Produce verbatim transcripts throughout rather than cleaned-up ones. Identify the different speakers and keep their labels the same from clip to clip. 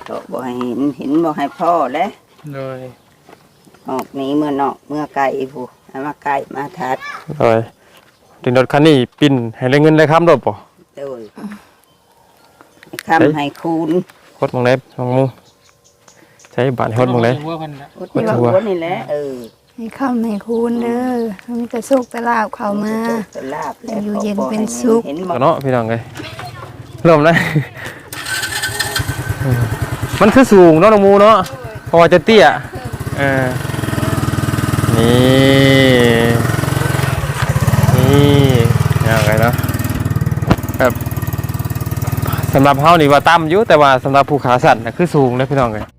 Speaker 1: ก็บ่ให้เห็นเห็นบ่ให้พ่อแล้ว
Speaker 2: เลย
Speaker 1: ออกนี้เมื่อนอกเมื่อไก่ผู้มาไก่มาทัด
Speaker 2: เลยถึงรถคันนี้ปิ่นให้ได้เงินได้คำรถป่ะ
Speaker 1: โดยคำให้คูณ
Speaker 2: ฮดมองเล็บมองมูใช้บาทฮดมองเล็บ
Speaker 1: ฮดหัวนี่แหละเออ
Speaker 3: ให้คำให้คูณเด้อมีแต่โชคแต่ลาบเข้ามาอยู่เย็นเป็นสุข
Speaker 2: เนาะพี่น้องเลยเริ่มเลยมันคือสูงเนาะน้องมูเนาะพอจะเตี้ยเออนี่นี่ยังไงเนาะแบบสำหรับเฮานี่ว่าต่ำอยู่แต่ว่าสำหรับผู้ขาสั้นนะคือสูงนะพี่น้องเลย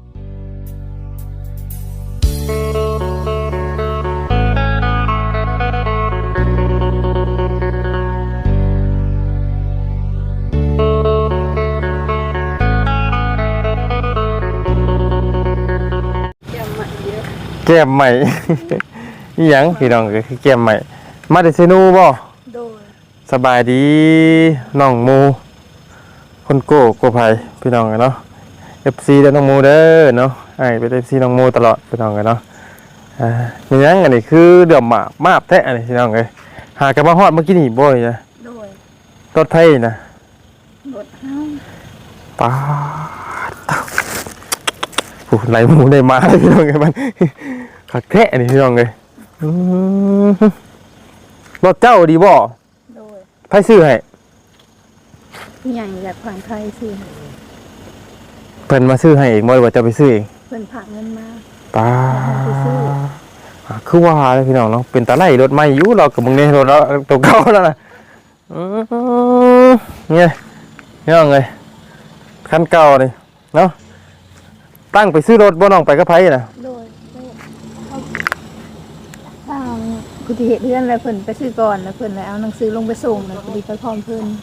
Speaker 2: แก้มใหม่นี่ยังพี่น้องก็คือแก้มใหม่มาแต่เซนูบ่สบายดีน้องมูคนโก้โก้ไผ่พี่น้องเนาะ เอฟ ซี เด้อน้องมูเด้อเนาะไอ้เป็น เอฟ ซี น้องมูตลอดพี่น้องเนาะอ่านี่ยังอันนี้คือเดือดหมามาบแท้อันนี้พี่น้องเลยหากันมาฮอดเมื่อกี้นี่บ่อยนะรถไทยนะรถเฮาป้าผู้ไหลหมูได้มาพี่น้องเลยมันขัดแท้อันนี้พี่น้องเลยรถเจ้าดีบ่ไผซื้อให้
Speaker 3: ใหญ่อยากผ่านไทยซื้อให้
Speaker 2: เพิ่นมาซื้อให้เองบ่หรือว่าจะไปซื้อเอง
Speaker 3: เพิ่นฝากเงินมา
Speaker 2: ป้าคือว่าเลยพี่น้องเนาะเป็นตาไล่รถใหม่อยู่เรากับมึงนี่รถเราตัวเก่าแล้วนะเนี่ยนี่เอาไงคันเก่าเลยเนาะตั้งไปซื้อรถบ่น้องไปกับไผน่ะ
Speaker 3: โดยทางผู้ที่เฮ็ดเรือนแล้วเพิ่นไปซื้อก่อนแล้วเพิ่นเลยเอาหนังสือลงไปส่งแล้วพอดีไปพร้อมเพิ่น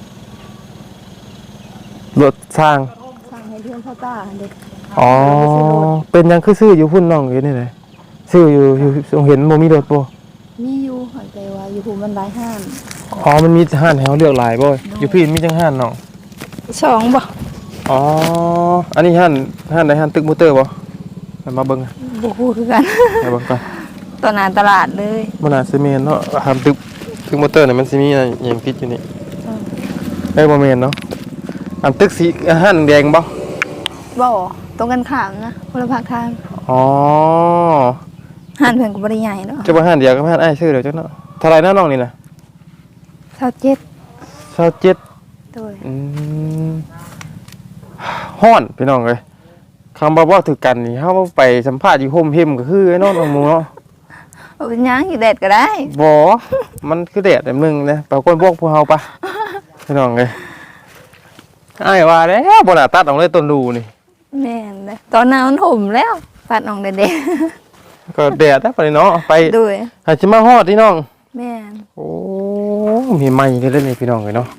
Speaker 2: รถสร้าง
Speaker 3: สร้างให้เรือนพ่อตาเด็ก
Speaker 2: อ๋อเป็นยังคือซื้ออยู่พุ่นน้องอยู่นี่เลยซื้ออยู่อยู่เห็นโมมีรถบ่
Speaker 3: มีอยู่แต่ว่าอยู่ภูมันหลายห้าน
Speaker 2: อ๋อมันมีห้านแถวเลือกหลายบ่อยู่พี่มีจังห้านน้อง
Speaker 3: สองบ่
Speaker 2: อ๋ออันนี้ห้านห้านใดห้านตึกมอเตอร์บ่มาเบิ่ง
Speaker 3: บ่ฮู้คือกัน
Speaker 2: มาเบิ่งก่อน
Speaker 3: ตอนนั้นตลาดเลย
Speaker 2: บ่น่าสิแม่นเนาะห้านตึกตึกมอเตอร์นี่มันสิมีอะไรหยังติดอยู่นี่เอ้ยบ่แม่นเนาะอันตึกสีห้านแดงบ่
Speaker 3: บ่ตรงกันข้ามนะคนละภาคทาง
Speaker 2: อ๋อ
Speaker 3: ห้านเพิ่นก็บ่ได้ใหญ่เนาะ
Speaker 2: จะบ่ห้านเดียวกับห้านอ้ายชื่อเดี๋ยวจังเนาะเท่าไหร่นะน้องนี่น่ะ
Speaker 3: ยี่สิบเจ็ด
Speaker 2: ยี่สิบเจ็ด
Speaker 3: โดย
Speaker 2: อืมฮ้อนพี่น้องเอ้ยคำบ่ว่าถือกันนี่เฮาไปสัมภาษณ์อยู่โฮมเฮมก็คือไอ้น้องน้องหมูเนาะ
Speaker 3: บ่เป็นหยังอยู่แดดก็ได้
Speaker 2: บ่มันคือแดดแบบนึงนะไปคนพวกพวกเฮาปะพี่น้องเอ้ยอ้ายว่าแล้วบ่น่าตัดออกเลยต้นดูนี่
Speaker 3: แม่นเลยตอนนั้นมันห่มแล้วตัดออกแดด
Speaker 2: ก็แดดนะไปเนาะไป
Speaker 3: ด้วย
Speaker 2: หาสิมาฮอดพี่น้อง
Speaker 3: แม่น
Speaker 2: โอ้มีไม้เล่นๆนี่พี่น้องเอ้ยเนาะ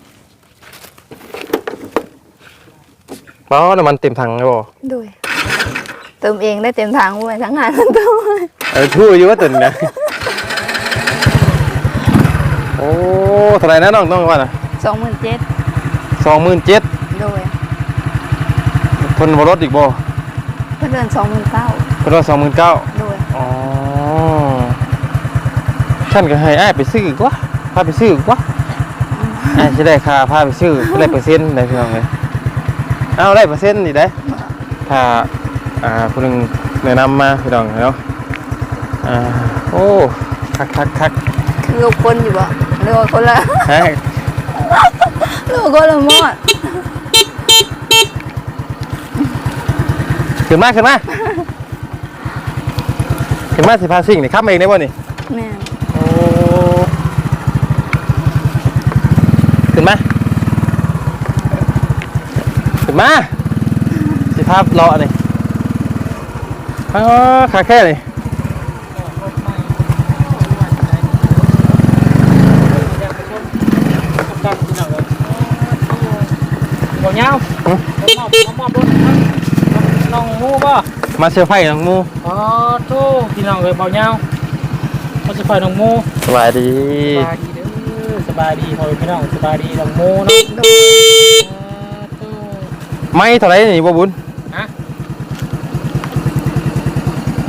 Speaker 2: ป้าน้ำมันเต็มถังเลยบ่
Speaker 3: ด้วยเติมเองได้เต็มถังด้วยทั้งงานทั้งตัว
Speaker 2: เออทู่อยู่ว่าตื่นนะโอ้เท่าไหร่นะน้องน้องว่าน่ะ
Speaker 3: สองหมื่นเจ็ด
Speaker 2: สองหมื่นเจ็ด
Speaker 3: ด้วย
Speaker 2: เพิ่นบ่ลดอีกบ่
Speaker 3: เพิ่นเดือน สองหมื่นเก้า
Speaker 2: เพิ่นว่า สองหมื่นเก้า
Speaker 3: ด้วย
Speaker 2: อ๋อฉันก็ให้อ้ายไปซื้ออีกว่าพาไปซื้ออีกว่าอ้ายสิได้ค่าพาไปซื้อได้เปอร์เซ็นต์ได้พี่น้องเอ้ยเอาได้เปอร์เซ็นต์นี่ได้ถ้าอ่าผู้นึงแนะนำมาพี่น้องเนาะอ่าโอ้คักๆๆ
Speaker 3: คือคนอยู่บ่หรือว่าคนละ
Speaker 2: ฮะ
Speaker 3: หรือว่าคนละหมด
Speaker 2: ขึ้นมาขึ้นมาขึ้นมาสิพาสิ่งนี่ขับเองได้บ่นี่
Speaker 3: แม่
Speaker 2: โอ้ขึ้นมาขึ้นมาสิพาเลาะนี่อ๋อขาแค่นี่
Speaker 4: บ่ยาวมอบมอบรถน้องมูบ่
Speaker 2: มาเซอร์ไพรส์น้องมู
Speaker 4: อ๋อโธ่พี่น้องเอ้ยบ่ยาวมาเซอร์ไพรส์น้องมู
Speaker 2: สบายดี
Speaker 4: สบายดีเด้อสบายดีพ่อพี่น้องสบายดีน้องมูเนาะ
Speaker 2: ไม่เท่าไหร่นี่บ่บุญ
Speaker 4: ฮะ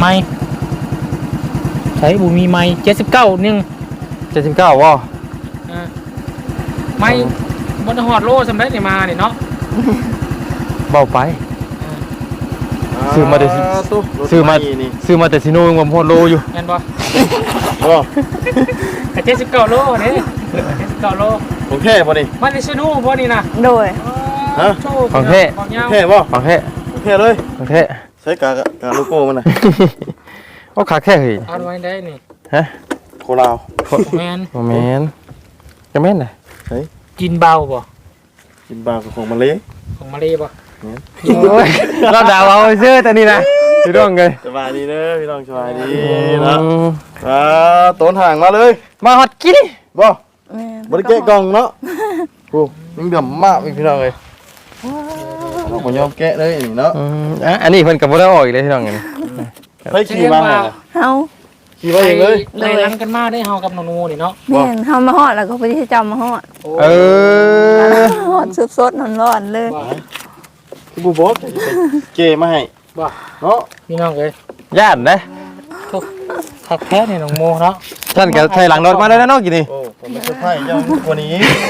Speaker 4: ไม่ใช้บุมีไม่เจ็ดสิบเก้านึง
Speaker 2: เจ็ดสิบเก้าว่ะ
Speaker 4: อ่าไม่บนหอดโลสำเร็จเนี่ยมาเนี่ยเนาะ
Speaker 2: เบาไป ซื้อมาแต่
Speaker 5: ตู้
Speaker 2: ซื้อมา
Speaker 5: นี่
Speaker 2: ซื้อมาแต่ซิโนยังบ่พอโลอยู่
Speaker 4: เห็นปะ
Speaker 5: โอ้
Speaker 4: เจ็ดสิบเก้าโลเนี่ยเจ็ดสิบเก้าโล
Speaker 5: ของแท้บ่นี่
Speaker 4: มันในชนูพอนี่นะ
Speaker 3: โดย
Speaker 5: ฮะ
Speaker 4: โชว์
Speaker 2: ของแท้
Speaker 4: ของเงา
Speaker 5: แท้บ่
Speaker 2: ของแท้
Speaker 5: ของแท้เลย
Speaker 2: ของแท้
Speaker 5: ใช้กากกาโลโก้มันน่ะ
Speaker 2: โอ้ขาแค่เฮ้ย
Speaker 4: เอาไว้ได้นี่
Speaker 2: ฮะ
Speaker 5: โคลาว
Speaker 4: แมน
Speaker 2: บ่แม่นจะแม่นน่ะ
Speaker 4: กินเบาบ่
Speaker 5: กินบากับของมาเลย
Speaker 4: ของมาเลยบ่
Speaker 2: โอ้ยเราด่าเอาซื่อแต่นี่นะพี่น้องเอ้ย
Speaker 5: สบายดีเด้อพี่น้องสบายดีเนาะอ่าต้นห่างมาเลย
Speaker 2: มาฮอดกิน
Speaker 5: บ่
Speaker 3: แม่
Speaker 5: บ่ได้แกะกล่องเนาะโอ้ยังเดือมมากพี่น้องเอ้ยเราบ่ยอมแกะเลยนี่เนาะ
Speaker 2: อืมอ่ะอันนี้เพิ่นก็บ่ได้ออกอีกเลยพี่น้องเอ้ย
Speaker 5: เฮ้ยขี่มาให้น่ะ
Speaker 3: เฮา
Speaker 5: ขี่มาเองเลย
Speaker 4: ไล่ลังกันมาได้เฮากับน้องนูนี่เนาะ
Speaker 3: แม่นเฮามาฮอดแล้วก็ไปที่จำมาฮอด
Speaker 2: เออ
Speaker 3: ฮอดสดๆร้อนๆเลย
Speaker 4: บ่
Speaker 5: คือบ่บอกจะไปเกะมาให้
Speaker 4: บ่
Speaker 5: เนาะ
Speaker 4: พี่น้องเอ้ย
Speaker 2: ย่านนะ
Speaker 4: ทุกทักแท้นี่น้องโมเนาะ
Speaker 2: ท่านก็ใส่หลังรถมาแล้วนะเนาะกินนี่
Speaker 5: โอ้ผมไม่เซอร์ไพรส์ยังกว่านี้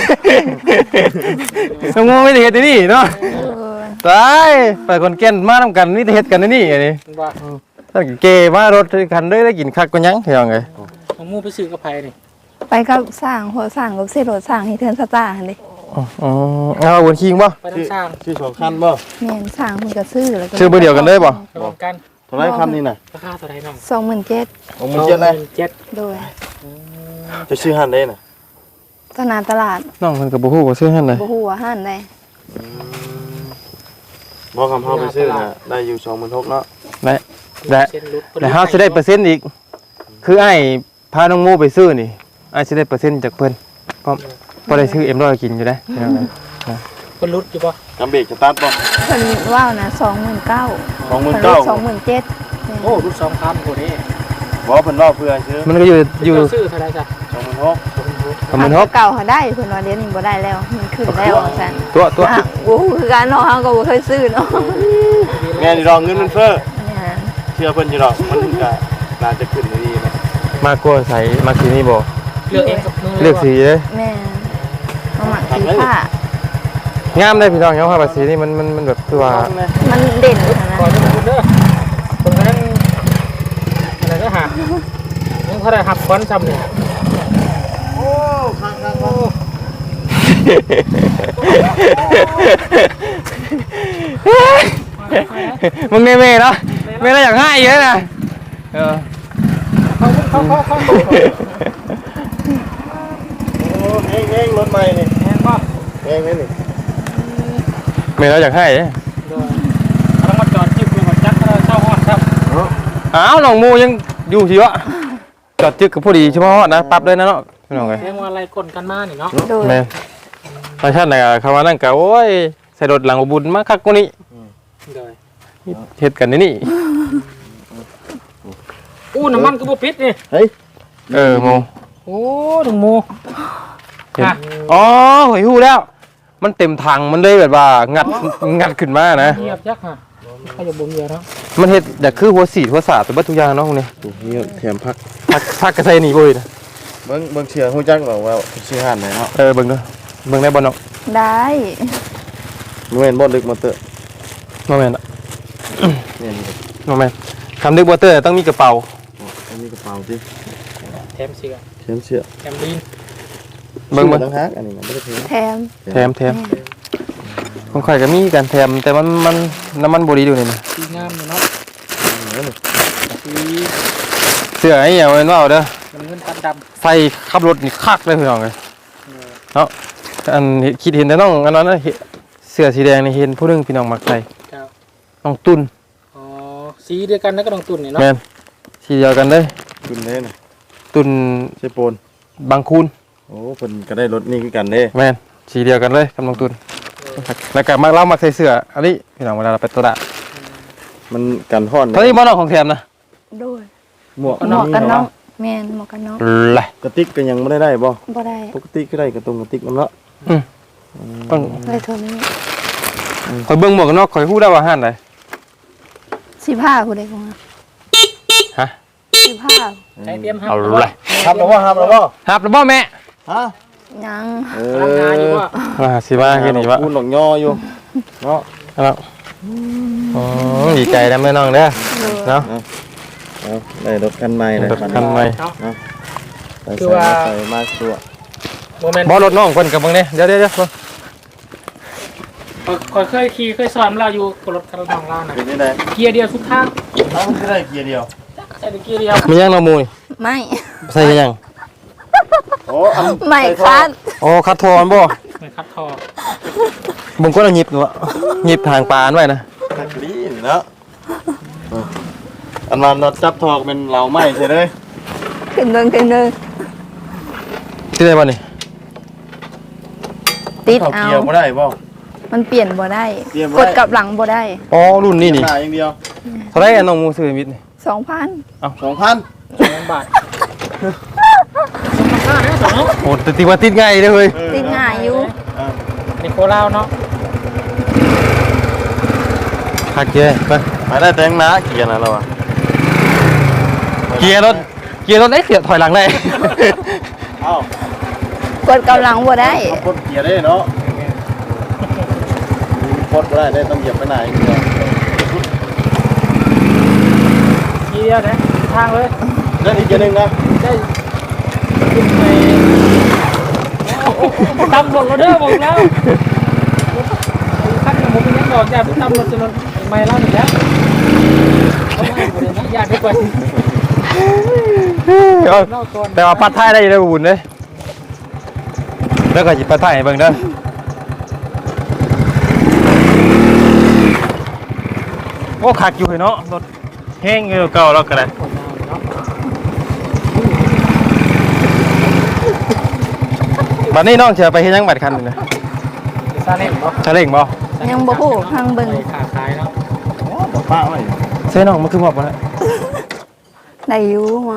Speaker 2: น้องโมไม่ได้เฮ็ดที่นี่เนาะ
Speaker 3: เออ
Speaker 2: ตายไปคนแก่นมานํกันนี่ได้เฮ็ดกันในนี่อันนี้
Speaker 4: บ่
Speaker 2: ท่านก็เกมารถคันเด้ได้กินคักกว่าหยังพี่น้องเอ้ย
Speaker 4: น้องโมไปซื้อกับไผนี่
Speaker 3: ไปกับสร้างหัวสร้างกับเสรถสร้างให้เทือนสตาร์หั่นดิ
Speaker 2: อ๋ออ๋อเอาบนคิงบ่
Speaker 4: ไปทางสร้าง
Speaker 5: ชื่อสองคันบ่
Speaker 3: แม่นสร้างเพิ่นก็ซื้อแล้วก็
Speaker 2: ชื่อเบอร์เดียวกันเลยบ่
Speaker 4: ระวังกัน
Speaker 5: เท่าไรคันนี่น่ะ
Speaker 4: ราคาเท่าไหร่น้อง
Speaker 3: สองหมื่นเจ็ด
Speaker 5: ของมันเจ็ดเลย
Speaker 4: เจ็ด
Speaker 3: โดย
Speaker 5: จะชื่อหันได้น่ะ
Speaker 3: ตลาดตลาด
Speaker 2: น้องเพิ่นก็บ่ฮู้ว่าซื้อหั่นเลย
Speaker 3: บ่ฮู้ว่าห้านใด
Speaker 5: บอกคำเฮาไปซื้อน่ะได้อยู่สองหมื่นหกเนาะ
Speaker 2: ได้ได้
Speaker 4: เส้นรุด
Speaker 2: แล้วเฮาสิได้เปอร์เซ็นต์อีก คือไอ้พาน้องโมไปซื้อนี่ไอ้สิได้เปอร์เซ็นต์จากเพิ่นก็บ่ได้ซื้อเอ็มร้อยกินอยู่ได้พี่น้องเอ้ย
Speaker 4: เพิ่นรุดอยู่บ่
Speaker 5: กำเบรกจะตัดบ่
Speaker 3: เพิ่นว่าวนะสองหมื่นเก้า
Speaker 5: สองหมื่นเก้า
Speaker 3: สองหมื่นเจ็ด
Speaker 4: โอ้รุดสองพันโหนี่
Speaker 5: บอกเพิ่นรอเพื่อซื้อ
Speaker 2: มันก็อยู่อยู่
Speaker 4: เจ้าซื้อเท่าไหร่จ้ะ
Speaker 5: สองหมื่นหก
Speaker 2: ประมาณหก
Speaker 3: เก่าเขาได้เพิ่นว่าเดี๋ยวนี้บ่ได้แล้วมันขึ้นแล้วซั่น
Speaker 2: ตัวตัว
Speaker 3: อ่ะโอ้โหคือการเนาะเฮาก็บ่เคยซื้อเนาะ
Speaker 5: แม่นี่รองเงินมันเฟ้อ
Speaker 3: เนี่ย
Speaker 5: เชื่อเพิ่นอยู่ดอกมันก็น่าจะขึ้นดีนะ
Speaker 2: มากกว่าใส่มาสีนี่บ่
Speaker 4: เลือกเองกับมือ
Speaker 2: เลือกสีเลย
Speaker 3: แม่มาหมักสีผ้าง
Speaker 2: ามได้พี่น้องเนาะผ้าสีนี่มันมันมันแบบคือว่า
Speaker 3: มันเด่นนะ
Speaker 4: ก่อนจะรุดเด้อตรงนั้นอะไรก็หายังเท่าไหร่หับควันซ้ำนี่
Speaker 5: โอ้คักคัก
Speaker 4: โอ้
Speaker 2: มึงเน่เม่เนาะเม่ละอย่างง่ายเยอะนะเออ
Speaker 4: เขาเขาเขาเขา
Speaker 5: โอ้เฮงเฮงรถใหม่นี่
Speaker 4: แม่นบ่
Speaker 5: เฮงนี่
Speaker 2: เม่ละอย่างง่ายเด้
Speaker 4: โดยต้องมาจอดจิ้มดูก่อนจักเราเช่าฮอดครับ
Speaker 2: อ้าวน้องมูยังอยู่สิวะจอดจึกกับผู้ดีเฉพาะนะปรับเลยนะเนาะพี่น้องเอ้ย
Speaker 4: เรียกว่าอะไรกลกันมานี่เนาะ
Speaker 3: โดย
Speaker 2: แม่ประชาชนน่ะเขาว่านั่นก็โอ้ยใส่รถหลังบุญมาคักกว่านี้
Speaker 4: โดย
Speaker 2: เฮ็ดกันในนี่
Speaker 4: อู้น้ำมันก็บ่ปิดนี่
Speaker 5: เฮ้ย
Speaker 2: เออโม
Speaker 4: โอ้ถึงโม
Speaker 2: เห็นอ๋อหอยหู้แล้ว มันเต็มถังมันเลยแบบว่างัดงัดขึ้นมานะ
Speaker 4: เงียบยักษ์ฮะใครจะบ่มีเนาะ
Speaker 2: มันเฮ็ดแต่คือหัวสีดหัวสาดเป็นบัตทุกอย่างเนาะพวกนี้
Speaker 5: นี่แถมพัก
Speaker 2: พักพักกระใสหนีบ่อยนะ
Speaker 5: เบิ่งเบิ่งเชื่อฮู้จักบอกว่าชื่อหันไหนเนาะ
Speaker 2: เออเบิ่งเด้อเบิ่งได้บ่เนาะ
Speaker 3: ได้
Speaker 5: บ่แม่นบ่ลึกมอเตอร์
Speaker 2: บ่แม่นอะ
Speaker 5: แม่นบ่
Speaker 2: บ่แม่นคำนึกบ่เตอร์ต้องมีกระเป๋า
Speaker 5: อันนี้กระเป๋าสิ
Speaker 4: แถมเสื้อ
Speaker 5: เข็มเสื้อ
Speaker 4: แถมลีน
Speaker 2: เบิ่ง
Speaker 5: บ่
Speaker 2: เบิ่ง
Speaker 5: ต้องฮักอันนี้มันบ่ได้แถม
Speaker 3: แถม
Speaker 2: แถมแถมของข่อยก็มีการแถมแต่มันมันน้ำมันบ่ดีอยู่นี่นะ
Speaker 4: สีงามอยู่เนาะสี
Speaker 2: เสื้อไอ้เหี้ยมันว่าเอาเด้อ
Speaker 4: มันเงินตันด
Speaker 2: ใส่ขับรถนี่คักเลยพี่น้องเอ้ยเนาะอันเห็นคิดเห็นแต่น้องอันนั้นน่ะเห็นเสื้อสีแดงนี่เห็นผู้หนึงพี่น้องมักใส่
Speaker 4: ำครับ
Speaker 2: น้องตุ้น
Speaker 4: อ๋อสีเดียวกันแล้วก็ต้องตุ่นนี่เนาะ
Speaker 2: แม่นสีเดียวกันเลย
Speaker 5: คุณเด้น่ะ
Speaker 2: ตุ้น
Speaker 5: ใช่โปน
Speaker 2: บางคูน
Speaker 5: โอ้เพิ่นก็ได้รถนี่คือกันเด้
Speaker 2: แม่นสีเดียวกันเลยกับน้องตุ้นแล้วก็มักเล่ามักใส่เสื้ออันนี้พี่น้องเวลาเราไปตลาด
Speaker 5: มันกันฮ้อน
Speaker 2: เท่านี้บ่น้องของแถมนะ
Speaker 3: โดย
Speaker 5: หมวก
Speaker 3: หมวกกันน็อกแม่นหมวกกันน็อก
Speaker 2: แหละ
Speaker 5: กระติกก็ยังบ่ได้ได้บ่
Speaker 3: บ่ได้
Speaker 5: ปกติก็ได้กระตรงกระติกนำเนาะ
Speaker 2: ต้อง
Speaker 3: เลยเท่านี้
Speaker 2: คอยเบิ่งหมวกกันน็อกคอยฮู้ได้ว่าห้านใด
Speaker 3: สิผ้าผู้ใดของเราสิบห้า
Speaker 4: ใช้เตรียม
Speaker 2: เอาเลย
Speaker 5: ครับแล้วบ่ครับแล้วบ่
Speaker 2: ครับแล้วบ่แม่
Speaker 5: ฮะ
Speaker 3: ยัง
Speaker 5: เอ
Speaker 4: พลังงานอยู่ว่า
Speaker 2: มาสิมาแค่นี้วะ
Speaker 5: พูดหลงย่ออยู่เนาะ
Speaker 2: แล้วอ๋อดีใจนะแม่น้องเด้อเนาะ
Speaker 5: เอาได้รถคันใหม่เลย
Speaker 2: รถคันใหม่
Speaker 5: ใส่ใส่ใส่มาตัว
Speaker 4: โมเมนต์
Speaker 2: บ่รถน้องเพิ่นกับเบิ่งเด้เดี๋ยวเดี๋ยวเดี๋ยว
Speaker 4: คอยเคยขี่เคยสอนเราอยู่กับรถคันน้องเรานะ
Speaker 5: เป็นยังไง
Speaker 4: เกียร์เดียวทุกทาง
Speaker 5: เอ้ามันก็ได้เกียร์เดียว
Speaker 4: ใช้เกียร์เดียว
Speaker 2: มียังน้องมูย
Speaker 3: ไม่
Speaker 2: ใส่ยัง
Speaker 5: โอ้อัน
Speaker 3: ไม่คัด
Speaker 2: โอ้คัดทอนบ่
Speaker 4: เหมือนคัดทอ
Speaker 2: บุงก็เอาหยิบอยู่อะหยิบทางปานไว้นะ
Speaker 5: ตักลีนเนาะอันนั้นเราจับทอกเป็นเหลาไหม้ใช่ไหม
Speaker 3: ขึ้นเดินขึ้นเดิน
Speaker 2: ที่ได้บ่นี่
Speaker 3: ติด
Speaker 5: เขา
Speaker 3: เอา
Speaker 5: เกียร์ไม่ได้ป่ะ
Speaker 3: มันเปลี่ยนบ่ได้
Speaker 5: เปลี่ยนบ่
Speaker 3: ก
Speaker 5: ได้
Speaker 3: ดกลับหลังบ่ได้
Speaker 2: อ๋อรุ่นนี้นี่
Speaker 5: หน้าอย่างเดียว
Speaker 2: เท่าไหร่อะน้องมูซื้อมิดนี่
Speaker 3: สองพัน
Speaker 5: สองพัน
Speaker 4: สองบาทสองพันห้าเนี่ยสอง
Speaker 2: โอ้แต่ติว่าติดง่ายเลยเฮ้ย
Speaker 3: ติดง่ายอยู่
Speaker 4: นี่โคราชเนาะ
Speaker 2: คักเจ้ไป
Speaker 5: ไปได้แต่งหน้าเกียร์นะเราอะ
Speaker 2: เกียร์รถเกียร์รถได้เสียถอยหลังได้
Speaker 5: เอ้าก
Speaker 3: ดกลับหลังบ่ได้
Speaker 5: กดเกียร์ได้เนาะกดไม่ได้ได้ต้องเหยียบไปไหนเกียร์
Speaker 4: เกียร์นะทางเลย
Speaker 5: ได้อีกเกียร์หนึ่งนะ
Speaker 4: ได้ขึ้นไปตำรวจเราเด้อบอกแล้วขั้นผมเป็นยังบอกอย่าไปตำรวจจนไม่เล่าหนึ่งแล้วเขาไม่ให้เลยนะอย่าไปกว่า เล่าก่อน
Speaker 2: แต่ว่าปัดท้ายได้เลยบุญเลยแล้วก็หยิบปัดท้ายให้เบิ่งเด้อโอ้คักอยู่เนาะรถแห้งอยู่เก่าแล้วก็ได้บัดนี้น้องจะไปเฮ็ดหยังบัดคันนี่นะ
Speaker 4: ซาเล้งเนาะ
Speaker 2: ชาเล่งบ่
Speaker 3: ยังบ่ฮู้พังเบิ่ง
Speaker 4: ขาขายเนาะ
Speaker 5: บอกป้าไว้
Speaker 2: เซ่น้องมันคือหมอบบ่ล่ะ
Speaker 3: ได้อยู่มา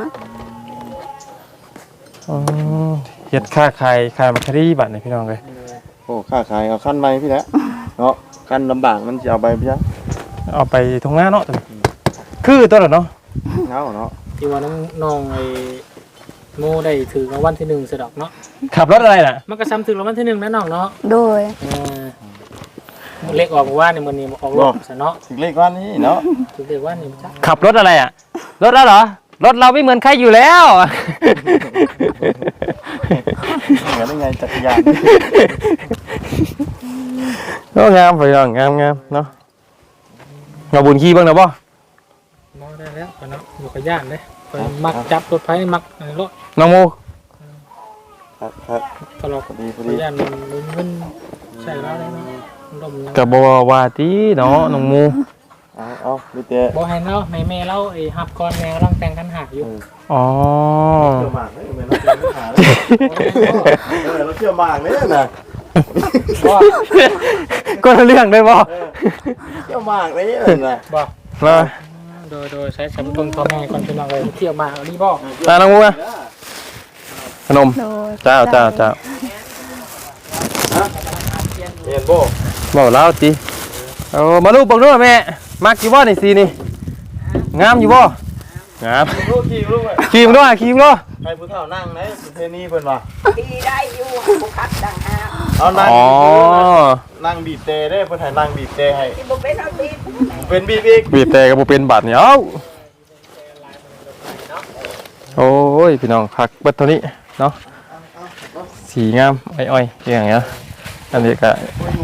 Speaker 2: อ๋อเฮ็ดค้าขายขายมัคคารีบัดนี่พี่น้องเอ้ย
Speaker 5: โอ้ค่าขายเอาขั้นใหม่พี่แหละเนาะขั้นลำบากมันจะเอาไปพี่จ๊ะ
Speaker 2: เอาไปทุ่งนาเนาะตัวนี้คือตัวละเนาะ
Speaker 5: เงาเนาะ
Speaker 4: ที่ว่าน้องน้องไอ้โมได้ถือรางวัลที่หนึ่งสะดอกเนาะ
Speaker 2: ขับรถอะไรน่ะ
Speaker 4: มันก็ซ้ำถือรางวัลที่หนึ่งนะน้องเนาะ
Speaker 3: โดย
Speaker 4: เลขออกว่าในมือนี้ออกรถซะเนาะ
Speaker 5: ถึงเลขวันนี้เนาะ
Speaker 4: ถือเลขว่านี่จ้ะ
Speaker 2: ขับรถอะไรอ่ะรถแล้วเหรอรถเราไม่เหมือนใครอยู่แล้ว
Speaker 5: เหมือนยังไงจักรยาน
Speaker 2: ก็งามไปน้องงามงามเนาะเราบุญขี้บ้างนะบ่
Speaker 4: มองได้แล้วเนาะอยู่กับย่านเลยมักจับรถไฟมักรถ
Speaker 2: น้องโม
Speaker 5: ครับครับ
Speaker 4: ตลอด
Speaker 5: พอดีพอ
Speaker 4: กั
Speaker 5: ดี
Speaker 4: บย่านมันมันใช่แล้วเลยเนาะลม
Speaker 2: กับบวาตีเนาะน้องโม
Speaker 5: เอาเอาดูเตะ
Speaker 4: บ่ให้เนาะแม่แม่เล่าไอ้ฮับก่อนแม่กำลังแต่งกันหาอยู่
Speaker 2: อ๋อ
Speaker 5: เชื่อมากเลยเหมือนเราเจอปัญหาเลยเออเราเชื่อมากเลยนะ
Speaker 2: ก็เรื่องได้บ่
Speaker 5: เชื่อมากเลยนะ
Speaker 4: บ่
Speaker 2: มา
Speaker 4: โดยโดยใช้สำรองพ่อแม่ก่อนเป็นอะไรเที่ยวมาอันนี้บ่
Speaker 2: ตาน้องโมนะขนม
Speaker 3: โดย
Speaker 2: เจ้าเจ้าเจ้า
Speaker 5: เรียนโบ
Speaker 2: บอกแล้วจีเอามาลูกบอกด้วยแม่มักอยู่บ่นี่สีนี่งามอยู่บ่งาม
Speaker 5: ลูกขี่ลูกเลย
Speaker 2: ขี่มด้วยขี่มด้วย
Speaker 5: ใครผู้เฒ่านั่งไหนสุเทนีเพิ่นว่า
Speaker 1: ดีได้อยู่บุคัดดังห้า
Speaker 5: เอานั่ง
Speaker 2: อ๋อ
Speaker 5: นั่งบีบเตะได้เพิ่นให้นั่งบีบเตะให้
Speaker 1: ที่บุเป็นเอาดี
Speaker 5: เป็นบีบอีก
Speaker 2: บีบแต่กับบ่เป็นบาดเหนียวโอ้ยพี่น้องคักเบิดเท่านี้เนาะสีงามอ้อยๆอย่างเงี้ยอันนี้ก็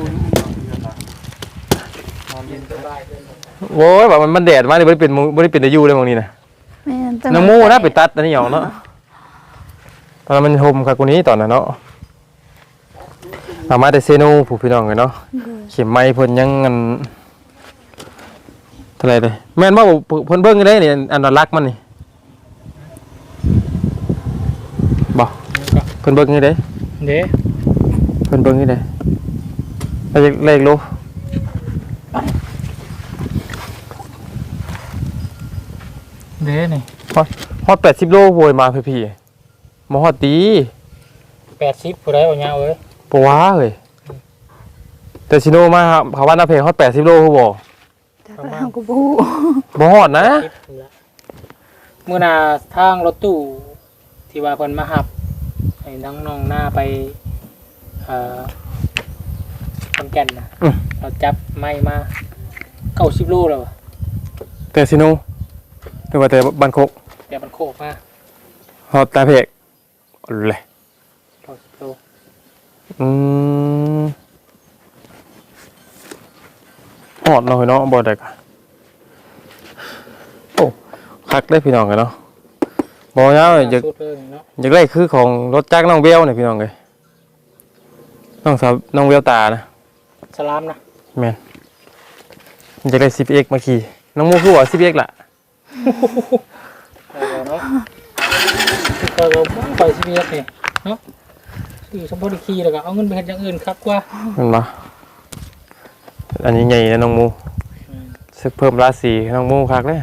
Speaker 2: โว้ยแบบมันมันแดดมากเลยบ่ได้เป็นบ่ได้เป็นอายุเลยมองนี้นะ
Speaker 3: แม่นแต่
Speaker 2: น้ำมูนะไปตัดอันนี้หยองเนาะตอนนั้นมันโฮมคักกว่านี้ตอนนั้นเนาะสามารถได้เซโนผู้พี่น้องเลยเนาะเข็มไม้เพิ่นยังอันเท่าไหร่เลยแม่นบ่เพิ่นเบิ่งได้นี่อันนั้นรักมันนี่บ่เพิ่นเบิ่งนี่เด้
Speaker 4: เด้
Speaker 2: เพิ่นเบิ่งนี่เด้ไปเลขโล
Speaker 4: เด้นี่
Speaker 2: ฮอดฮอดแปดสิบโลโวยมาพี่ๆบ่ฮอดตี
Speaker 4: แปดสิบผู้ใดเอาเงาเอ้ย
Speaker 2: บ่ว้าเอ้ยแต่ซิโนมาเขาว่าหน้าเพลงฮอดแปดสิบโลฮู้บ่
Speaker 3: แต่ก็เฮาก็บ่ฮู้
Speaker 2: บ่ฮอดนะ
Speaker 4: เมื่อนาทางรถตู้ที่ว่าเพิ่นมาหับให้ทั้งน้องหน้าไปเอ่อขอนแก่นนะเราจับไม้มาเก้าสิบโลแล้วอะ
Speaker 2: แต่ซิโนหรือว่าแต่บันโคก
Speaker 4: แต่มันโคกมา
Speaker 2: ฮอดตาเพกเลย
Speaker 4: เก้าสิบโล
Speaker 2: อืมฮอดเนาะเนาะบ่ได้กะโอ้คักได้พี่น้องกันเนาะบ่ยาวอยาก
Speaker 4: สุดเลยเนาะ
Speaker 2: อยากได้คือของรถจักรน้องเบลนี่พี่น้องเอ้ยน้องสาวน้องเบลตานะ
Speaker 4: สลามนะ
Speaker 2: แม่นอยากได้ ซี พี เอ็กซ์ มาขี่น้องมูคือว่า ซี พี เอ็กซ์ ล่ะ
Speaker 4: เออเนาะก็เราปล่อยซีบีเอสนี่เนาะคือสมบูรณ์คีแล้วก็เอาเงินไปเฮ็ดอย่างอื่นครับกว่า
Speaker 2: เห็นปะอันนี้ใหญ่นะน้องมูซึกเพิ่มราศีน้องมูคักเลย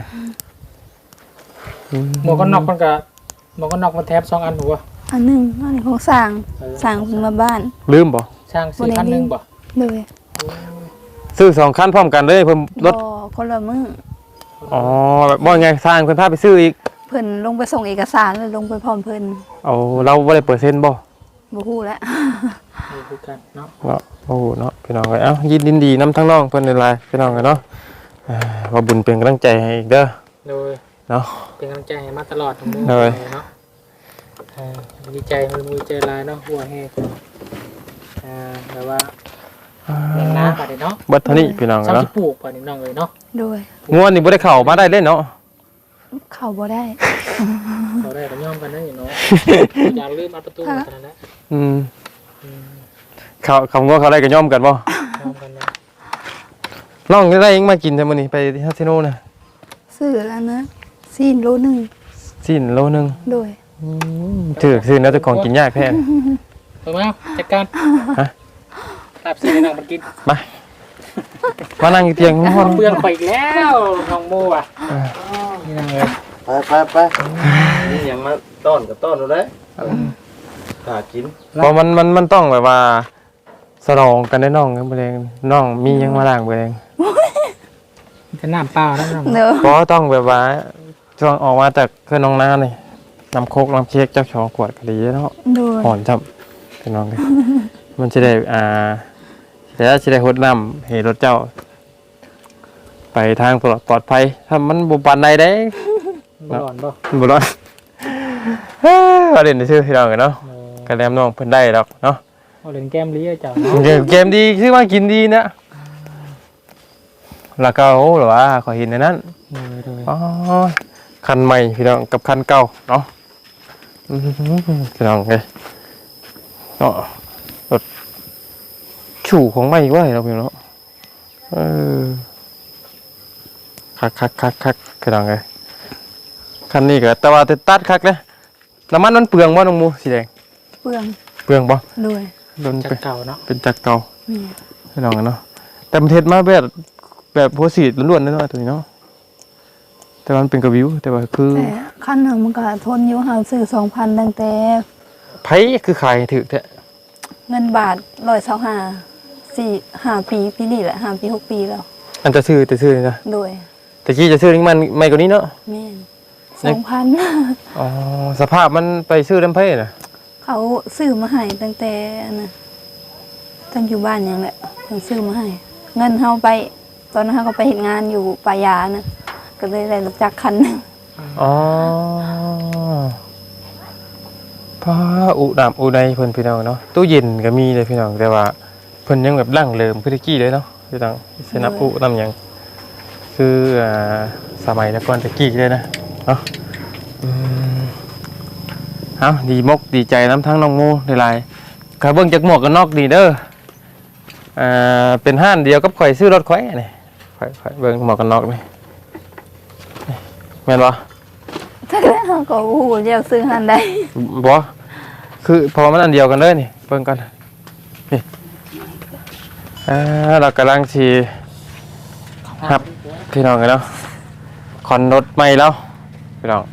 Speaker 4: หมวกกันน็อกมันก็หมวกกันน็อกมันแทบสองอันถูกป่ะ
Speaker 3: อันหนึงอันนี้ของสร้างสร้างเพิ่นมาบ้าน
Speaker 2: ลืมบ่
Speaker 4: ช่างสี่พันหนึ่งบ่
Speaker 3: เลย
Speaker 2: ซื้อสองคันพร้อมกันเลยเพิ่มรถ
Speaker 3: บ่คนละมื้อ
Speaker 2: อ๋อแบบบ่ไงสร้างเพิ่นพาไปซื้ออีก
Speaker 3: เพิ่นลงไปส่งเอกสารแล้วลงไปพร้อมเพิ่น
Speaker 2: เอาเราบ่ได้เปอร์เซ็นต์บ่
Speaker 3: บ่ฮู้แล้ว
Speaker 4: นี่คือกันเนาะ
Speaker 2: เนาะโอ้โหเนาะพี่น้องเอ้ยเอ้ายินดีนำทั้งน้องเพิ่นหลายๆพี่น้องกันเนาะอ่าว่าบุญเป็นกำลังใจให้อีกเด้อ
Speaker 4: โดย
Speaker 2: เนาะ
Speaker 4: เป็นกำลังใจให้มาตลอดทั้งมื้
Speaker 2: โดย
Speaker 4: เนาะอ่าดีใจมันมีใจหลายเนาะหัวแห้งอ่าแต่ว่าเลี้ยงน้ำป่ะเนาะ
Speaker 2: เบัดเท่านี้พี่น้องกัน
Speaker 4: ซ้ำ
Speaker 2: เนาะ
Speaker 4: ที่ปลูกป่ะนี่น้องเลยเนาะ
Speaker 3: โดย
Speaker 2: งัวนี่บ่ได้เข้ามาได้เล่นเนาะ
Speaker 3: เข้าบ่ได้
Speaker 4: เขาได้ก็ย่อมกันได้อยู่เนาะอย่าลืมอัดประตูกันนั่นแหละ
Speaker 2: อืม
Speaker 4: อืม
Speaker 2: เขาเขางัวเขาได้ก็ย่อมกันบ่
Speaker 4: ย่อมกันนะ
Speaker 2: น้องได้ยังมากินแต่มื้อนี้ไปที่ฮาซิโนน่ะ
Speaker 3: ซื้อแล้วนะซีนโลหนึง
Speaker 2: สิ้นโลนึง
Speaker 3: โดย
Speaker 2: อืมถือซื้อแล้วแต่ของกินยากแท้
Speaker 4: เปิดมาจัดการ
Speaker 2: ฮะ
Speaker 4: ลาบซีให้น้องมันกิน
Speaker 2: มามานั่งอยู่เตียงนอน
Speaker 4: เปลืองไปอีกแล้วน้องโมอ่ะนี่น้องเลย
Speaker 5: ไปไปไปนี่ยังมาต้อนกับต้อนดูเลยหากิน
Speaker 2: เพราะมันมันมันต้องแบบว่าสลองกันได้น้องกันบ่แรงน้องมีหยังมาล้างบ่แรง
Speaker 4: จะน้ำเปล่านะน้อง
Speaker 3: เด้อ
Speaker 2: เพราะต้องแบบว่าช่วงออกมาจากเครื่องน้องน้านี่น้ำโคกน้ำเค้กเจ้าชองขวดก็ดีเนาะ
Speaker 3: โดย
Speaker 2: หอนจับพี่น้องเลยมันจะได้อ่าแล้วจะได้หดน้ำให้รถเจ้า ไปทางปลอดปลอดภัยถ้ามันบุปผาใดได้
Speaker 4: บ่ร้อนบ่
Speaker 2: บุร้อนเราเล่นในชื่อพี่น้องกันเนาะกระแลมน้องเพิ่นได้ดอกเนาะ
Speaker 4: เอาเล่นแก้มลี้เจ้า
Speaker 2: เกมเกมดีชื่อว่ากินดีนะแล้วก็โอ้หรอว่าขอเห็นในนั้นอ๋อคันใหม่พี่น้องกับคันเก่าเนาะอื้อหือพี่น้องเลยเนาะรถชูของใหม่ว่าเราพี่น้องเออคักคักคักคักพี่น้องเลยคันนี้ก็แต่ว่าแต่ตัดคักเลยน้ำมันมันเปลืองบ่น้องมูสีแดง
Speaker 3: เปลือง
Speaker 2: เปลืองบ่
Speaker 3: โดย
Speaker 2: โดน
Speaker 4: จั
Speaker 2: ไป
Speaker 4: กเก่าเนาะ
Speaker 2: เป็นจักรเก่า
Speaker 3: นี่
Speaker 2: พี่น้องกันเนาะแต่มันเทศมาแบบแบบโพสีล้วนๆเนาะตัวนี้เนาะแต่ว่ามันเป็นกระวิวแต่ว่าคือ
Speaker 3: แต่คันหนึงมันก็ทนอยู่เฮาซื้อสองพันตั้งแต่
Speaker 2: ไผคือขายถือแท้
Speaker 3: เงินบาทร้อยเศร้าห้าสี่ห้าปีปีนี้แหละห้าปีหกปีแล้ว
Speaker 2: อันจะซื้อแต่ซื้อนี่นะ
Speaker 3: โดย
Speaker 2: แต่กี้จะซื้อนี่มันไม่กว่านี้เนาะ
Speaker 3: แม่นสองพัน
Speaker 2: อ๋อสภาพมันไปซื้อลำไผน่ะ
Speaker 3: เขาซื้อมาให้ตั้งแต่อันนะตั้งอยู่บ้านยังแหละเพิ่นซื้อมาให้ เงินเฮาไป ตอนนั้นเฮาก็ไปเฮ็ดงานอยู่ปายานะก็เลยได้รถจักรคันหนึง
Speaker 2: อ๋อพาอุดามอุไดเพิ่นพี่น้องเนาะตู้เย็นก็มีเลยพี่น้องแต่ว่าเพิ่นยังแบบร่างเริมพื้นที่เลยเนาะพี่น้องสนับอุนำหยังคืออ่าสมัยแต่ก่อนตะกี้เลยนะเนาะอืมเอาดีมกดีใจน้ำทั้งน้องโมหลายๆก็เบิ่งจากหมวกกันนอกดีเด้ออ่าเป็นห้านเดียวกับข่อยซื้อรถข่อยนี่ข่อยข่อยเบิ่งหมวกกันนอกนี่นี่แม่นบ่
Speaker 3: ถ้าแล้วเฮาก็โอ้โหเดี๋ยวซื้อหันได้
Speaker 2: บ่คือเพอมันอันเดียวกันเลยนี่เบิ่งกันนี่อ่าเรากำลังสิครับพี่น้องกันเนาะคอนรถใหม่แล้วพี่น้อง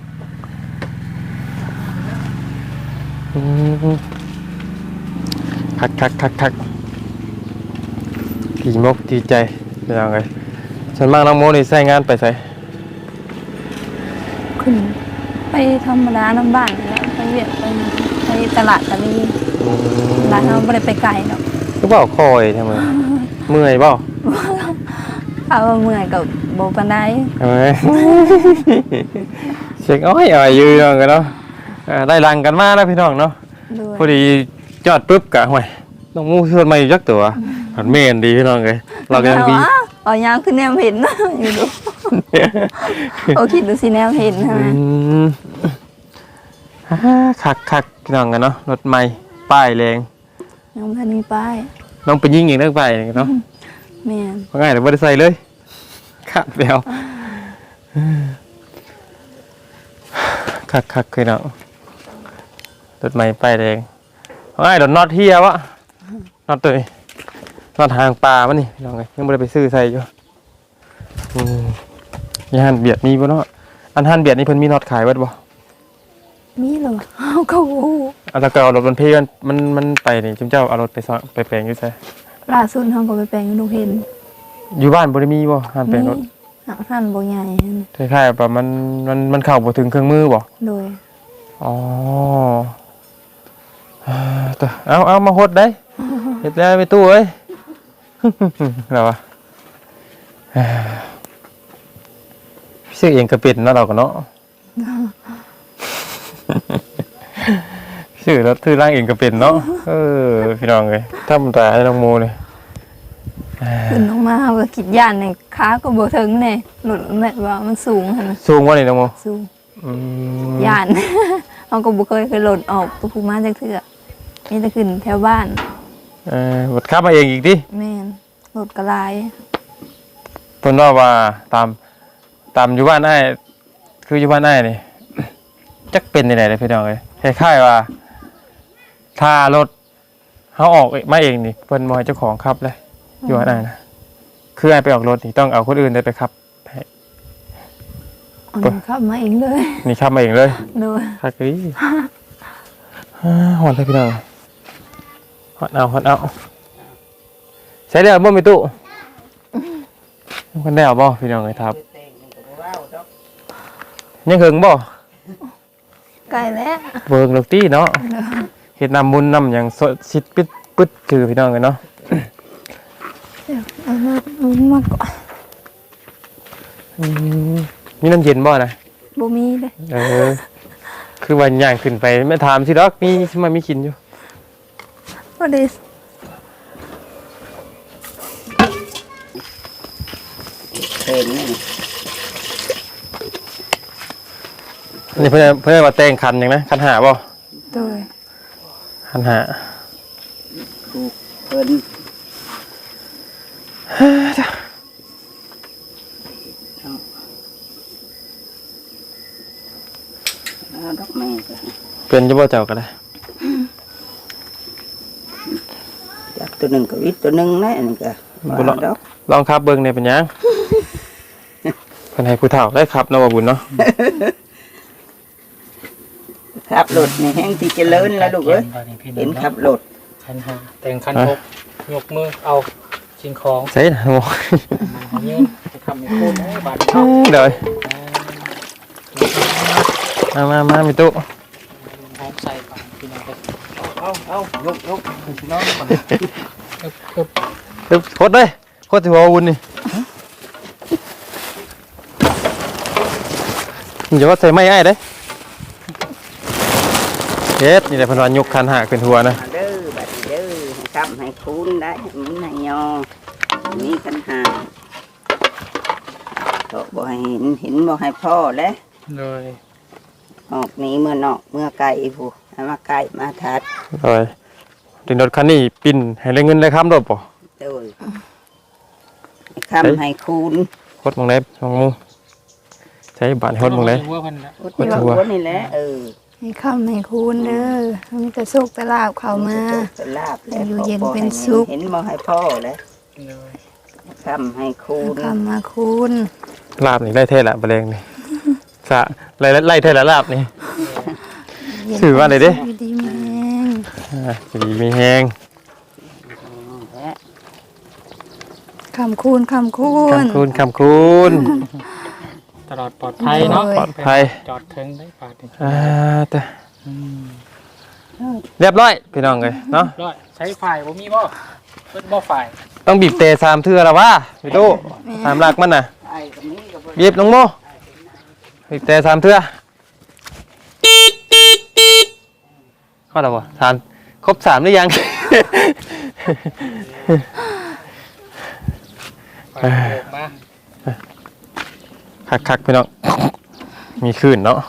Speaker 2: อืมคักคักคักคักดีมกดีใจพี่น้องเอ้ยส่วนมากน้องโมนี่ใช้งานไปไส
Speaker 3: ขึ้นไปธรรมดาน้ำบ้านนี่แหล้วไปเวียดไปไปตลาดตะลี
Speaker 2: อืม
Speaker 3: ร้านเราไม่ได้ไปไกลหรอก
Speaker 2: คือบ่คอยทำไมเมื่อยบ่
Speaker 3: เอาเมื่อยกับโบปันได
Speaker 2: เอ้ยเช็คอ้อยเอาอยู่น้องกันเนาะอ่าได้รังกันมาแล้วพี่น้องเนาะ
Speaker 3: ด้วย
Speaker 2: พอดีจอดปุ๊บกะห่วยน้องมูชวนมาอีกจักตัวหันเมนดีพี่น้องเลยเราก็ยังดี
Speaker 3: เอายางขึ้นแนวเห็น อยู่ดูโอคิดดูสิแนวเห็นใช่ไหม
Speaker 2: อืมฮ่าคักคักพี่น้องกันเนาะรถใหม่ป้ายแรง
Speaker 3: ยังไม่มีป้าย
Speaker 2: น้องไปยิงอีกเรื่องป้ายเนาะ
Speaker 3: แม่น
Speaker 2: ว่าง่ายแต่ไม่ได้ใส่เลยขาดแล้วคักคักคือเนาะรถใหม่ป้ายแรงว่าง่ายรถน็อตเฮียวะน็อตตัวนี้น็อตทางปลามันนี่พี่น้องเลยยังไม่ได้ไปซื้อใส่อยู่อืมยานเบียดมีบ่เนาะอันหันเบียดนี่เพิ่นมีน็อตขายไว้บ่
Speaker 3: มีเหรอเอาเขาโอ้
Speaker 2: เอาแล้วก็เอารถบรรทุกมันมันมันไปนี่จุ๊มเจ้าเอารถไปซ่อนไปแปลงอยู่ไส
Speaker 3: ล่าสุดเขาก็ไปแปลงให้ลูกเห็น
Speaker 2: อยู่บ้านบ่ได้มีบ่หันแปลงรถ
Speaker 3: หนักท่านโบใหญ่
Speaker 2: คล้ายๆแบบมันมันมันเข้าบ่ถึงเครื่องมือบ่
Speaker 3: โดย
Speaker 2: อ๋ออ่าตัวเอาเอามาหดได้เฮ็ดแล้วไปตู้เอ้ย แล้ววะอ่าซื้อเองก็เป็นเนาะเราก็เนาะ ชื่อรถถือร่างเองก็เป็นเนาะเออพี่น้องเลยทำตาให้น้องโมเลย
Speaker 3: ขึ้นลงมาเขาก็คิดย่านในขาก็บ่ถึงเนี่ยหลุดแม่ว่ามันสูงขนาด
Speaker 2: สูงกว่านี่น้องโม
Speaker 3: สูง
Speaker 2: อืม
Speaker 3: ย่าน เขาก็บ่เคยเคยหล่นออกตัวภูมาจากเถื่อมีแต่ขึ้นแถวบ้าน
Speaker 2: เออบดขับมาเองอีกดิ
Speaker 3: แม่นรถกระลาย
Speaker 2: เพิ่นว่าว่าตามตามอยู่บ้านอ้ายคืออยู่บ้านอ้ายนี่ จักเป็นที่ไหนเลยพี่น้องเลยคล้ายๆว่าถ้ารถเขาออกมาเองนี่เพิ่นบ่ให้เจ้าของขับเลยอยู่บ้านอ้ายนะคืออ้ายไปออกรถนี่ต้องเอาคนอื่นได้ไปขับให้
Speaker 3: เอันขับมาเองเลย
Speaker 2: นี่ขับมาเองเลย
Speaker 3: โดย
Speaker 2: คักอีฮ่าหอนเลยพี่น้องหอนเอาหอนเอาใช้เรือบ่มีตู้คนได้เอาบ่พี่น้องเลยครับยังหึงบ่
Speaker 3: ไกลแล้ว
Speaker 2: เบิ่งดอกตี้เนาะเฮ็ดน้ำมุนน้ำหยังสดชิดปึ๊ดปึ๊ดคือพี่น้องกันเนาะ
Speaker 3: เอามาเอามาก่อน
Speaker 2: อืมมีน้ำเย็นบ่นะ
Speaker 3: บ่มีเลย
Speaker 2: เออคือวันย่างขึ้นไปไม่ถามสิดอกมีสิมามีกินอยู่
Speaker 3: บ่ได้
Speaker 1: เห็นนี่
Speaker 2: อันนี้เพิ่นเพิ่นว่าแต่งคันหยังนะคันหาบ่
Speaker 3: โดย
Speaker 2: คันหา
Speaker 1: ถูกเพิ่นเอาดอกไม้ก็
Speaker 2: เป็นจะบ่เจ้าก็ได้
Speaker 1: จับตัวหนึ่งกับวิตตัวหนึ่งนะอันนี้ก็บ่เอาดอก
Speaker 2: ลองขับเบิ่งได้เป็นหยังเพิ่นให้ผู้เฒ่าได้ขับเนาะบ่บุญเนาะ
Speaker 1: ขับรถนี่แห้งที่เจริญแล้วลูกเอ้ยเห็นขับรถ
Speaker 4: คันหาแต่งคันหกยกมือเอาสิ่งของ
Speaker 2: ใส่นะโม
Speaker 4: เอายืนจะทำให้พูดนะบาดเนาะ
Speaker 2: เดี๋ยวมามามามีตู้
Speaker 4: พร้อมใส่ก่อนพี่น้องเลย
Speaker 5: เอาเอายกยกพี่น้องก่อน
Speaker 4: อึบอึบ
Speaker 2: เดี๋ยวโคตรเลยโคตรที่หัววุ่นนี่อย่าว่าใส่ไม้ไอ้เด้เฮ็ดนี่แหละเพิ่นว่ายกคันหากขึ้นหัวนะ
Speaker 1: มาเด้อบัดนี้เด้อให้คำให้คูณได้ให้มันให้ยอมีปัญหาก็บ่ให้เห็นเห็นบ่ให้พ่อแล้ว
Speaker 4: เลย
Speaker 1: ออกหนี้เมื่อนอกเมื่อไก่ผู้ให้มาไก่มาทัด
Speaker 2: เลยถึงรถคันนี้ปิ้นให้ได้เงินได้คำรถบ่
Speaker 1: โดยให้คำให้คูณ
Speaker 2: โคตรมองได้มองมูใช้บ้านโคตรมองได้
Speaker 4: ว่ามันนะ
Speaker 1: อุดที่ว่าหัวนี่แหละเออ
Speaker 3: ให้คำให้คูณเด้อมีแต่โชคแต่ลาบเข้ามา
Speaker 1: จะลาบแล้ว
Speaker 3: อยู่เย็น
Speaker 1: พ่อ
Speaker 3: เป็น
Speaker 1: ให้
Speaker 3: สุข
Speaker 1: เห็นบ่ให้พ่อแล้ว
Speaker 4: เลย
Speaker 1: คำให้คูณ
Speaker 3: คำมาคูณ
Speaker 2: ลาบนี่ได้เท่ละบะเรงนี่สะไล่ไล่เท่ละลาบนี่ ถือว่าอะไรเด้
Speaker 3: อยู่ดีแมง
Speaker 2: อ่าจะดีมีแฮง
Speaker 1: และ
Speaker 3: คำคูณคำคูณ
Speaker 2: คำคูณคำคูณ
Speaker 4: ตลอดปลอดภัยเนาะ
Speaker 2: ปลอดภัย
Speaker 4: จอดถึงได้ปาดนี่
Speaker 2: อ่าแต่
Speaker 4: อืม
Speaker 2: เรียบร้อยพี่น้องเลยเนาะ
Speaker 4: ร้อยใช้ฝ่ายบ่มีบ่เพิ่นบ่ฝ่าย
Speaker 2: ต้องบีบเตะสามเทื่อแล้วว่าพี่ตู้สามหลักมันน่ะ
Speaker 1: ไอ้ตรงนี้ก็บ่
Speaker 2: บีบน้องโมบีบเตะสามเทื่อเข้าแล้วบ่สามครบสามหรือยัง
Speaker 4: ฝ่ายโบกมา
Speaker 2: คักคักๆพี่น้องมีคลื่นเนาะ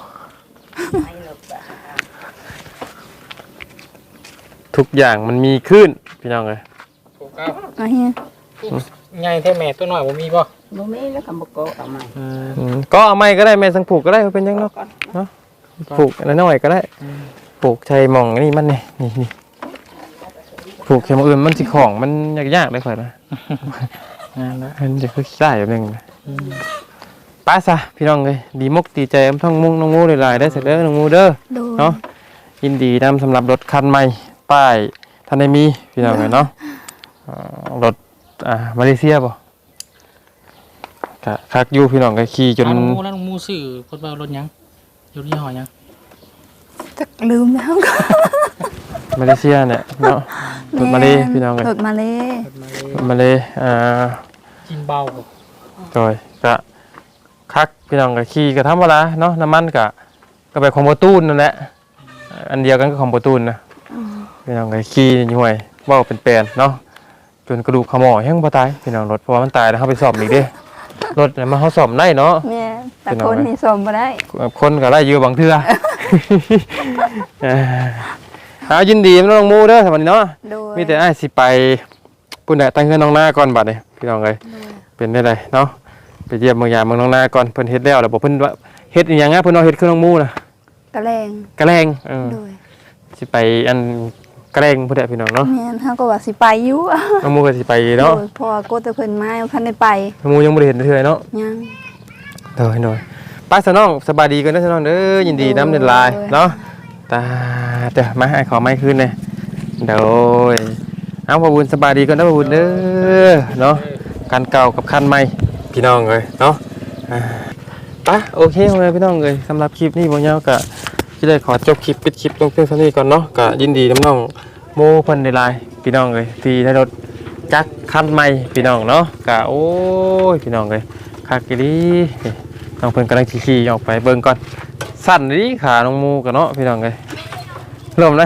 Speaker 2: ทุกอย่างมันมีคลื่นพี่น้องเลย
Speaker 4: ถูกเอา
Speaker 3: มาเฮีย
Speaker 4: ใหญ่แท้แม่ตัวน้อยบ่มีบ่
Speaker 1: บ่มีแล้วก็บ่โกะเอามา
Speaker 2: อืมก็เอาไม้ก็ได้แม่สังผูกก็ได้เป็นยังเนาะเนาะผูกอะไรน้อยก็ได้ปลูกใช้หมองนี่มันนี่นี่นี่ปลูกเข็มอื่นมันสิของมันยากๆได้ค่อยนะ
Speaker 4: งานละ
Speaker 2: มันจะคือขี้ได้แบบนึงนะป้าซะพี่น้องเลยดีมกดีใจทั้งมุ้งน้องงูหลายๆได้อเสร็จแล้วน้องงูเด้อ
Speaker 3: โดย
Speaker 2: เนาะยินดีนำสำหรับรถคันใหม่ป้ายท่านได้มีพี่น้องเลยเนาะอ่ารถอ่ามาเลเซียป่ะกะคักอยู่พี่น้องก็ขี่จน
Speaker 4: ร้านหมูร้านหมูซื้อเพิ่นว่ารถหยังอยู่ยี่ห้อหยัง
Speaker 3: จักลืมแล้วก็
Speaker 2: มาเลเซียเนี่ยเนาะรถมาเลพี่น้องเลย
Speaker 3: รถมาเล
Speaker 2: รถมาเลอ่า
Speaker 4: กินเบาบ่
Speaker 2: จอยกะคักพี่น้องก็ขี่ก็ธรรมดาเนาะน้ำมันกะก็ไปของโบตูนนั่นแหละอันเดียวกันก็ของโบตูนนะพี่น้องก็ขี่ห่วยเว่าเป็นแปลนเนาะจนกระดูกขมอแห้งบ่ตายพี่น้องรถเพราะว่ามันตายแล้วเขาไปซ่อมอีกเด้รถเนี่ยมันเขาซ่อมได้เนาะ
Speaker 3: แม่แต่คนนี่สมบ่ได้
Speaker 2: คนก็ไล่อยู่บางเทื่อ เออเอายินดีน้องมูเด้อสวัสดีเนาะ
Speaker 3: โดย
Speaker 2: มีแต่อ้ายสิไปปุ่นแหละตั้งเงินน้องหน้าก่อนบัดนี้พี่น้องเอ้ยเป็นได้เลยเนาะไปเยี่ยมเมืองยามเมืองน้องหน้าก่อนเพิ่นเฮ็ดแล้วแล้วบ่เพิ่นว่าเฮ็ดอีหยังอ่ะเพิ่นเอาเฮ็ดคือน้องมูน่ะ
Speaker 3: กระแรง
Speaker 2: กระแลงเออ
Speaker 3: โดย
Speaker 2: สิไปอันกระแลงพุ่นแหละพี่น้องเนาะ
Speaker 3: แม่นเฮาก็ว่าสิไปอยู่
Speaker 2: น้องมูก็สิไปเนาะ
Speaker 3: โดยเพอโกแต่เพิ่นมาคันได้ไป
Speaker 2: น้องมูยังบ่ได้เห็นเทื่อเนาะ
Speaker 3: ยัง
Speaker 2: เด้อหน่อยป้าสน้องสบายดีกันเด้อสน้องเด้อยินดีนำเดินลายเนาะตาเด้อมาให้ขอไม้คืนเลยเด้อเอาพ่อบุญสบายดีกันเด้อพ่อบุญเด้อเนาะคันเก่ากับคันใหม่พี่น้องเอ้ยเนาะอ่าไปโอเคเลยพี่น้องเอ้ยสำหรับคลิปนี้บ่ยาวก็สิได้ขอจบคลิปปิดคลิปลงเพียงเท่านี้ก่อนเนาะก็ยินดีน้ำน้องโมเพิ่นได้ลายพี่น้องเอ้ยที่ได้รถจักรคันใหม่พี่น้องเนาะก็โอ้ยพี่น้องเอ้ยคักอีหลีน้องเพิ่นกำลังขี่ๆออกไปเบิ่งก่อนสั่นดิขาน้องโมก็เนาะพี่น้องเอ้ยลมนะ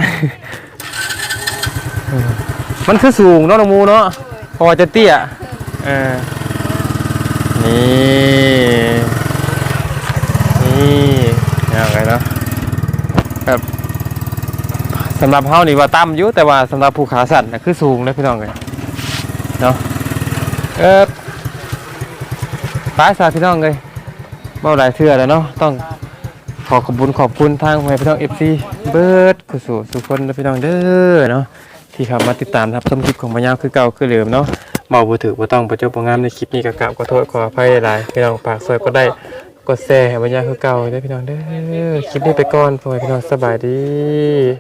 Speaker 2: มันคือสูงเนาะน้องโมเนาะเพอจะเตี้ยเออนี่นี่ยังไงเนาะแบบสำหรับเฮานี่ว่าต่ำอยู่แต่ว่าสำหรับผู้ขาสั้นนะคือสูงนะพี่น้องเลยเนาะเออป้าสาพี่น้องเลยเมื่อหลายเทื่อแล้วเนาะต้องขอขอบคุณขอบคุณทางแม่พี่น้อง เอฟ ซี เบิร์ดคือสู่สุขคนนะพี่น้องเด้อเนาะที่เข้ามาติดตามรับชมคลิปของพญาคือเก่าคือเดิมเนาะเมาบ่ถือบ่ต้องประจบบ่งามในคลิปนี้ก็กราบขอโทษขออภัยหลายพี่น้องปากซอยก็ได้กดแชร์ให้พญาคือเก่าเด้อพี่น้องเด้อคลิปนี้ไปก่อนพ่อแม่พี่น้องสบายดี